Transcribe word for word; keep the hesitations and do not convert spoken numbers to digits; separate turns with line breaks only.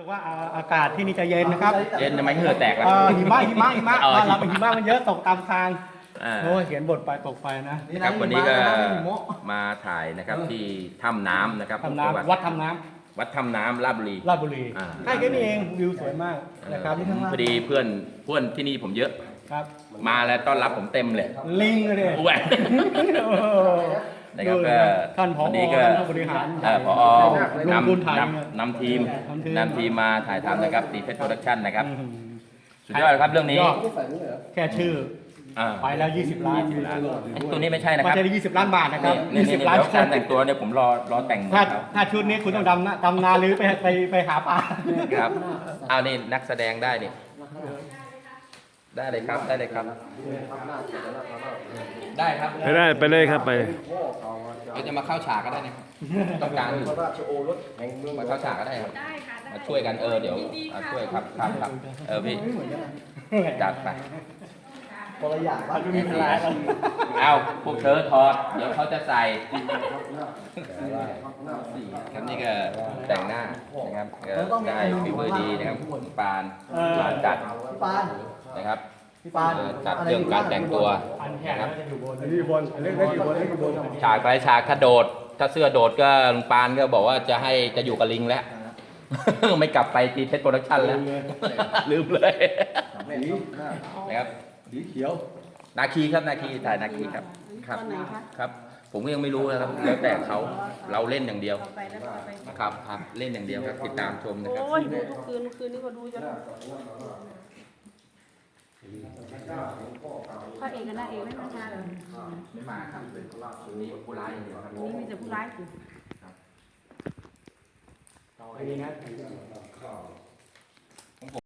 คือว่าอากาศที่นี่จะเย็นนะครับ
เย็นทำไมเหงื่อแตกล่ะ
เอ่อหิมะหิมะหิมะ
อ๋อ
บ้านเราเป็นหิมะมันเยอะตกตามทาง
อ่า
โอ้ยเขียนบทไปตกไปนะ
ครับวันนี้ก็มาถ่ายนะครับที่ถ้ำน้ำนะครับ
ทำน้ำวัดทำน้
วัดถ้ำน้ำราชบุรี
ำราชบุรี
อ่า
ใกล้แค่นี้เองวิวสวยมากนะครับ
ผมพอดีเพื่อนเพื่อนที่นี่ผมเยอะ
ครับ
มาแล้วต้อนรับผมเต็มเลย
ลิงเลย
อ้วน นะครับก็
ท่านผอ
วันนี้ก็
ท่านผู้บริหาร
เอ่อผอ
ลง
น
ทุนถ่าย
ำนำนำทีม
นำทีม
นำทีมมาถ่ายทำนะครับตีเพชรโปรดักชั่นนะครับ
อืม
สุดยอดครับเรื่องนี้
ยอดแค่ชื่อ
อ่า
ไปแล้วยี่สิบล้าน
ไอ้ตัวนี้ไม่ใช่นะ
ไม่
ครับ
ใช่ยี่สิบล้านบาทนะครับ
นี่
ยี่
นี่
สิบ
นี่
ล้าน
เดี๋ยวการแต่งตัวเนี่ยผมรอรอแต่ง
ถ้า
เขา
ถ้าชุดนี้คุณต้องดำนะดำนาหรือไปไปไปหาปลา
ครับเอานี่นักแสดงได้นี่ได้เลยครับได้เลยครับ ได้ครับ
ไปได้ไปเลยครับไป
เราจะมาเข้าฉากก็ได้นะครับต้องการอยู่มาเข้าฉากก็ได้ครับมาช่วยกันเออเดี๋ยวมาช่วยครับครับครับเออพี่จัดไป
คนละอย่างบ้านก็มีหลาย
เอาพวกเธอถอดเดี๋ยวเขาจะใส่ครับนี่ก็แต่งหน้านะครับก็ได้ฟิวเวอร์ดีนะครับปานปานจัด
ปาน
นะครับ
พี่ปาน
เอ่อจัดเรื่องการแต่งตัว
อันแขน
นะครับ
จะอยู่บนอยู่บนเรื่องอยู่บนเรื่องอยู่บน
ฉากไปฉากถ้าโดด ถ้าเสื้อโดดก็ลุงปานก็บอกว่าจะให้จะอยู่กับลิงแล้ว ไม่กลับไปตีเพชรโปรดักชั่นแล้ว ลืมเลยนะครับ
สีเขียว
นาคีครับนาคีถ่ายนาคีครับครับ
ตอนไหนคะ
ครับ ผมก็ยังไม่รู้นะครับแล้วแต่เขาเราเล่นอย่างเดียว
ต่อไปแล้วต่อไป
ครับครับเล่นอย่างเดียวครับติดตามชมนะครับ
โอ้ยดูทุกคืนคืนนี้ก็ดูจนพระเอกกับนางเอกไม่มาทานเลย
ไม่มาครับมีผู้ร้ายอย่างเดียวครับ
นี่มีแต่ผู้ร้ายอยู่
ดีนะ